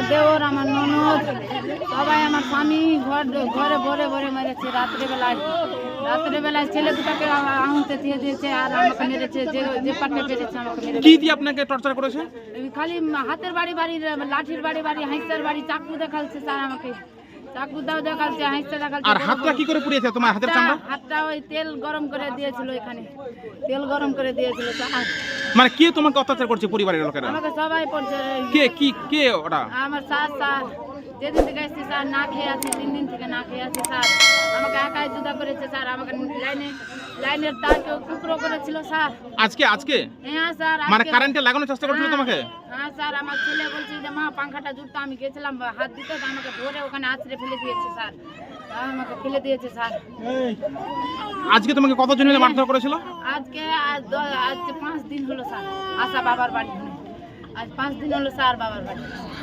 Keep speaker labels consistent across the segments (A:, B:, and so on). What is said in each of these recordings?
A: দেওর, আমার ননদ, সবাই, আমার স্বামী ঘরে ভরে ভরে মেরেছে। রাত্রেবেলায় ছেলে দুটাকে আহুতে দিয়ে দিয়েছে আর আমাকে মেরেছে। যে পাটে পেরেছে আমাকে মেরেছে।
B: কি দিয়ে আপনাকে টর্চার করেছে?
A: খালি হাতের বাড়ি, লাঠির বাড়ি, হাঁসের বাড়ি, চাকু দেখাচ্ছে স্যার আমাকে। চাকু দাও দেখাচ্ছে, হাঁসটা দেখাচ্ছে।
B: আর হাতটা কি করে পুড়িয়েছে তোমার হাতের চামড়া?
A: হাতটা ওই তেল গরম করে দিয়েছিল, এখানে তেল গরম করে দিয়েছিল স্যার।
B: মানে কে তোমাকে অত্যাচার করছে পরিবারের লোকেরা?
A: আমাকে সবাই পড়ছে।
B: কে ওটা?
A: আমার স্যার যেদিন থেকে এসেছি স্যার না খেয়ে আছি, 3 দিন থেকে না খেয়ে আছি স্যার। আমাকে একাই জুদা করেছে স্যার। আমাকে লাইনের তারকে টুকরো করেছিল স্যার।
B: আজকে
A: হ্যাঁ স্যার।
B: মানে কারেন্টে লাগানোর চেষ্টা করছিল তোমাকে?
A: হ্যাঁ স্যার। আমার ছেলে বলছে যে মা পাংখাটা জুড়তো, আমি গেছিলাম হাত দিতে, আমাকে ধরে ওখানে আছড়ে ফেলে দিয়েছে স্যার। আমাকে ফেলে দিয়েছে স্যার।
B: আজকে তোমাকে কতজন মিলে মারধর করেছিল?
A: আজকে 5 দিন হলো স্যার আসা বাবার বাড়ি। আজ 5 দিন হলো স্যার বাবার বাড়ি।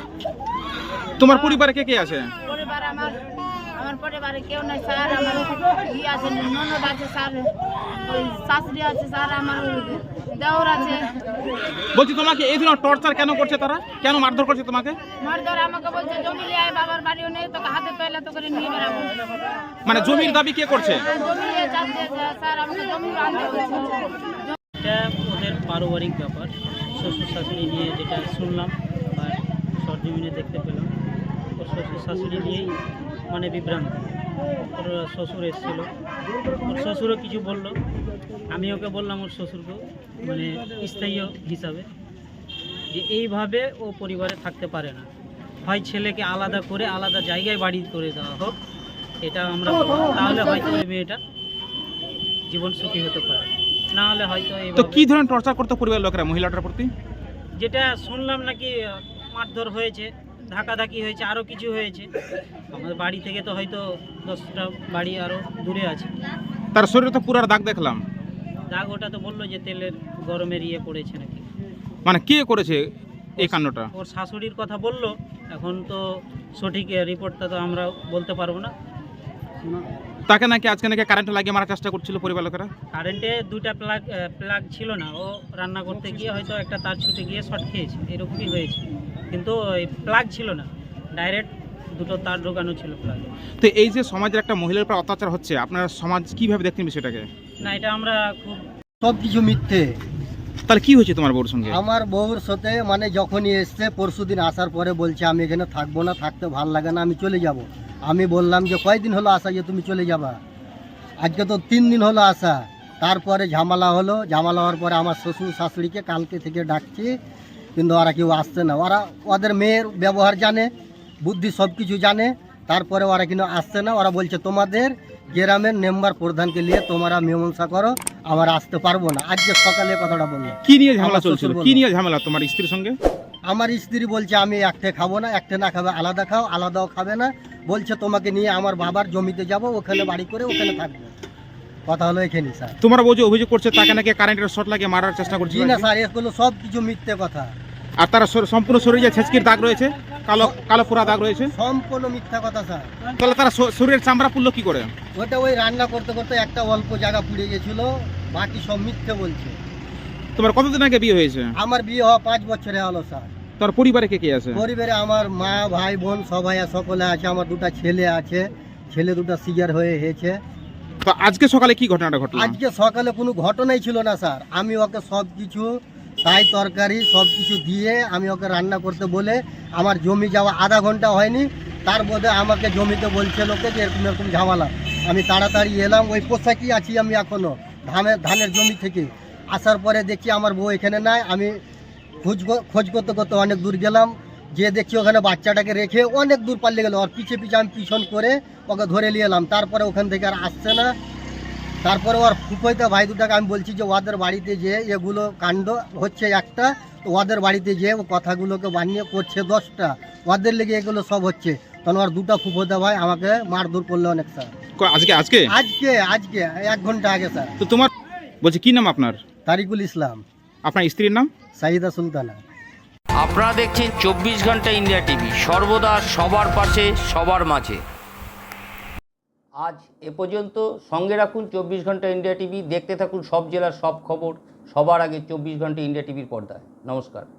B: তোমার পরিবারে কে আছে?
A: পরিবার আমার পরিবারে কেউ নাই স্যার। আমার আছে, ননদ আছে স্যার, ওই শাশুড়ি আছে স্যার, আমার দেওর আছে।
B: বলছি তোমাকে এই ধরনের টর্চার কেন করছে তারা? কেন মারধর করছে তোমাকে?
A: মারধর আমাকে বলছে জমি নিয়ে আয়, বাবার বাড়িও নেই, তোকে হাতে তৈলা তো করে নিয়ে বেড়াবো।
B: মানে জমির দাবি কে করছে?
A: জমি নিয়ে যাচ্ছে স্যার, আমাকে জমি আনতে বলছে।
C: এটা ওদের পারিবারিক ব্যাপার, শ্বশুর শাশুড়ি নিয়ে যেটা শুনলাম বা সরজমিনে দেখতে পেলাম। ওর শ্বশুর শাশুড়ি নিয়েই মানে বিভ্রান্ত। ওর শ্বশুর এসেছিলো, ওর শ্বশুরও কিছু বললো। আমি ওকে বললাম ওর শ্বশুরকে মানে স্থায়ী হিসাবে যে এইভাবে ও পরিবারে থাকতে পারে না, হয় ছেলেকে আলাদা করে আলাদা জায়গায় বাড়ি করে দেওয়া হোক, এটা আমরা তাহলে হয়তো ওই মেয়েটা জীবন সুখী হতে পারে। না হলে হয়তো
B: তো কি ধরনের টর্চার করতে পরিবারের লোকেরা মহিলাটার প্রতি?
C: যেটা শুনলাম নাকি মারধর হয়েছে, ধাকাধাকি হয়েছে, আরও কিছু হয়েছে। আমাদের বাড়ি থেকে তো হয়তো 10টা বাড়ি আরও দূরে আছে।
B: তার শরীরে তো পুরার দাগ দেখলাম।
C: দাগ ওটা তো বললো যে তেলের গরমের পড়েছে নাকি।
B: মানে কে করেছে এই কাণ্ডটা?
C: ওর শাশুড়ির কথা বললো। এখন তো সঠিক রিপোর্টটা তো আমরা বলতে পারবো না।
B: তাকে নাকি আজকে নাকি কারেন্টে লাগিয়ে মারার চেষ্টা করছিল পরিবার লোকেরা।
C: কারেন্টে 2টা প্লাগ ছিল না, ও রান্না করতে গিয়ে হয়তো একটা তার ছুটে গিয়ে শর্ট খেয়েছে, এরকমই হয়েছে। কিন্তু ওই প্লাগ ছিল না, ডাইরেক্ট 2টো তার ঢোকানো ছিল প্লাগ।
B: তো এই যে সমাজের একটা মহিলার উপর অত্যাচার হচ্ছে, আপনারা সমাজ কিভাবে দেখতেন বিষয়টাকে?
C: না, এটা আমরা খুব
D: সব কিছু মিথ্যে।
B: তাহলে কি হয়েছে তোমার বউর সঙ্গে?
D: আমার বউর সাথে মানে যখনই এসছে পরশুদিন আসার পরে বলছে আমি এখানে থাকবো না, থাকতে ভাল লাগে না, আমি চলে যাব। আমি বললাম যে কয়দিন হলো আসা যে তুমি চলে যাবা? আজকে তো 3 দিন হলো আসা। তারপরে ঝামেলা হলো, ঝামেলা হওয়ার পরে আমার শ্বশুর শাশুড়িকে কালকে থেকে ডাকছি, কিন্তু ওরা কেউ আসছে না। ওরা ওদের মেয়ের ব্যবহার জানে, বুদ্ধি সব কিছু জানে, তারপরে ওরা কিন্তু আসছে না। ওরা বলছে তোমাদের গ্রামের মেম্বার প্রধানকে নিয়ে তোমরা মীমাংসা করো, আমরা আসতে পারবো না। আজকে সকালে কথাটা বললো।
B: কি নিয়ে ঝামেলা
D: আমার
B: চলছিল?
D: শ্বশুর
B: কি
D: বলল।
B: নিয়ে ঝামেলা তোমার স্ত্রীর সঙ্গে?
D: আমার স্ত্রী বলছে আমি একটা খাবো না, একটা না খাবে আলাদা খাও, আলাদাও খাবে না। বলছে তোমাকে নিয়ে আমার বাবার জমিতে যাব, ওখানে বাড়ি করে ওখানে থাকবো। কথা হলো এখানে স্যার।
B: তোমার বউ যে অভিযোগ করছে তাকে নাকি কারেন্টের শর্ট লাগিয়ে মারার চেষ্টা করছে।
D: জি না স্যার, এগুলো সব কিছু মিথ্যে কথা।
B: আর তার সম্পূর্ণ শরীরে ছেচকির দাগ রয়েছে, কালো কালো পোড়া দাগ রয়েছে।
D: সম্পূর্ণ মিথ্যা কথা স্যার।
B: তাহলে তারা শরীরের চামড়া পুড়লো কি করে?
D: ওটা ওই রান্না করতে করতে একটা অল্প জায়গা পুড়ে গেছিল, বাকি সব মিথ্যে বলছে।
B: তোমার কতদিন আগে বিয়ে হয়েছে?
D: আমার বিয়ে হওয়া 5 বছরে হলো স্যার।
B: তোর পরিবারে কে কে আছে?
D: পরিবারে আমার মা, ভাই, বোন সবাই সকলে আছে। আমার 2টা ছেলে আছে, ছেলে 2টা সিজার হয়েছে।
B: তো আজকে সকালে কি ঘটনাটা ঘটলো?
D: আজকে সকালে কোনো ঘটনাই ছিল না স্যার। আমি ওকে সব কিছু তাই তরকারি সব কিছু দিয়ে আমি ওকে রান্না করতে বলে, আমার জমি যাওয়া আধা ঘন্টা হয়নি, তার মধ্যে আমাকে জমিতে বলছে লোকে যে এরকম এরকম ঝামেলা। আমি তাড়াতাড়ি এলাম, ওই পোশাকই আছি আমি এখনও ধানের জমি থেকে। আসার পরে দেখছি আমার বউ এখানে নাই। আমি খোঁজ করতে করতে অনেক দূর গেলাম, যে দেখছি ওখানে বাচ্চাটাকে রেখে অনেক দূর পাল্লে গেল। ওর পিছে পিছে আমি পিছন করে ওকে ধরে নিয়ে এলাম। তারপরে ওখান থেকে আর আসছে না। তারপরে ওর ফুফাইতে ভাই 2টাকে আমি বলছি যে ওদের বাড়িতে যে এগুলো কাণ্ড হচ্ছে একটা, তো ওদের বাড়িতে যে ও কথাগুলোকে বানিয়ে করছে 10টা, ওদের লেগে এগুলো সব হচ্ছে। তখন ওর 2টা ফুফাইতে ভাই আমাকে মারধর করলো অনেক স্যার।
B: আজকে আজকে
D: আজকে আজকে 1 ঘন্টা আগে স্যার।
B: তো তোমার বলছি কি নাম আপনার?
D: তারিকুল ইসলাম।
B: আপনার স্ত্রীর নাম?
D: সাইদা সুলতানা।
E: আপনারা দেখছেন 24 ঘন্টা ইন্ডিয়া টিভি, সর্বদা সবার পাশে সবার মাঝে। আজ এ পর্যন্ত। সঙ্গে রাখুন 24 ঘন্টা ইন্ডিয়া টিভি। দেখতে থাকুন সব জেলার সব খবর সবার আগে 24 ঘন্টা ইন্ডিয়া টিভির পর্দায়। নমস্কার।